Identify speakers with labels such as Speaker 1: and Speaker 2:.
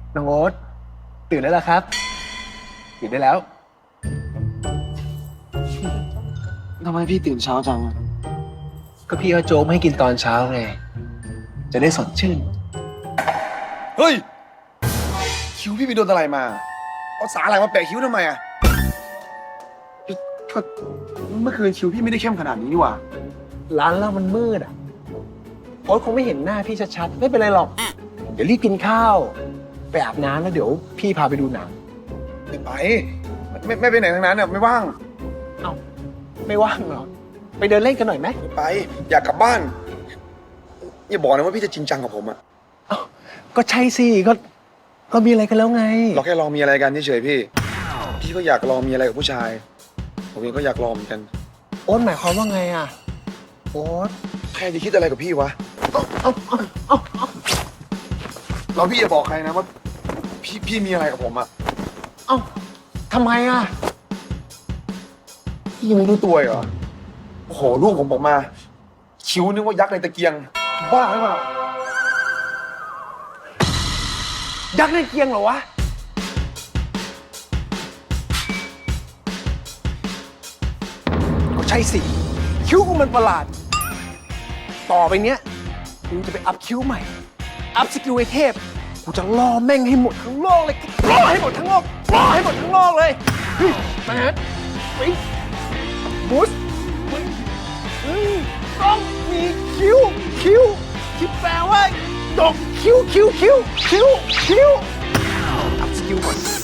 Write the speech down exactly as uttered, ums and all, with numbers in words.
Speaker 1: น้องโอ๊ตตื่นได้แล้วครับตื่นได้แล้ว
Speaker 2: ทำไมพี่ตื่นเช้าจัง
Speaker 1: ก็พี่เอาโจ๊กมาให้กินตอนเช้าไงจะได้สดชื่น
Speaker 3: เฮ้ย คิ้วพี่ไปโดนอะไรมา เอาสาอะไรมาแปะคิ้วทำไมอ่ะก็เมื่อคืนคิ้วพี่ไม่ได้เข้มขนาดนี้นี่หว่า
Speaker 1: ร้านเรามันมืดอ่ะโอ๊ตคงไม่เห็นหน้าพี่ชัดๆไม่เป็นไรหรอกเดี๋ยวรีบกินข้าวไปอาบน้ำแล้วเดี๋ยวพี่พาไปดูหนัง
Speaker 3: ไม่ไป ไม่ไม่ไปไหนทั้งนั้นอ่ะไม่ว่าง
Speaker 1: เอ้าไม่ว่างเหรอไปเดินเล่นกันหน่อยไหม
Speaker 3: ไม่ไป อยากกลับบ้าน อย่าบอกนะว่าพี่จะจริงจังกับผมอ่ะ
Speaker 1: เอ้าก็ใช่สิก็ก็มีอะไรกันแล้วไง
Speaker 3: เราแค่ลองมีอะไรกันเฉยๆพี่ พี่ก็อยากลองมีอะไรกับผู้ชาย ผมเองก็อยากลองเหมือนกัน
Speaker 1: โอ๊ตหมายความว่าไงอ่ะโอ๊ต
Speaker 3: ใครจะคิดอะไรกับพี่วะ
Speaker 1: เอ้าเอ้าเอ้าเอ้าเอ้า
Speaker 3: เราพี่อย่าบอกใครนะว่าพี่พี่มีอะไรกับผมอ่ะ
Speaker 1: เอ้าทำไมอ่ะ
Speaker 3: พี่ยังไม่รู้ตัวอีกเหรอ โอ้โหลูกผมบอกมา คิ้วนึกว่ายักษ์ในตะเกียง บ้าหรือเปล่า
Speaker 1: ยักษ์ในเกียงเหรอวะก็ใช่สิคิ้วกูมันประหลาด ต่อไปเนี้ยกูจะไปอัพคิ้วใหม่ อัพสกิลไอเทพกูจะล่อแม่งให้หมดทั้งโลกเลยล่อให้หมดทั้งโลกล่อให้หมดทั้งโลกเลยเฮ้ยมาฮะไปบูสมึงมึงต้องมีคิ้วคิ้วที่แปลว่าดกคิ้วคิ้วคิ้วคิ้วคิ้วอัพสกิลก่อน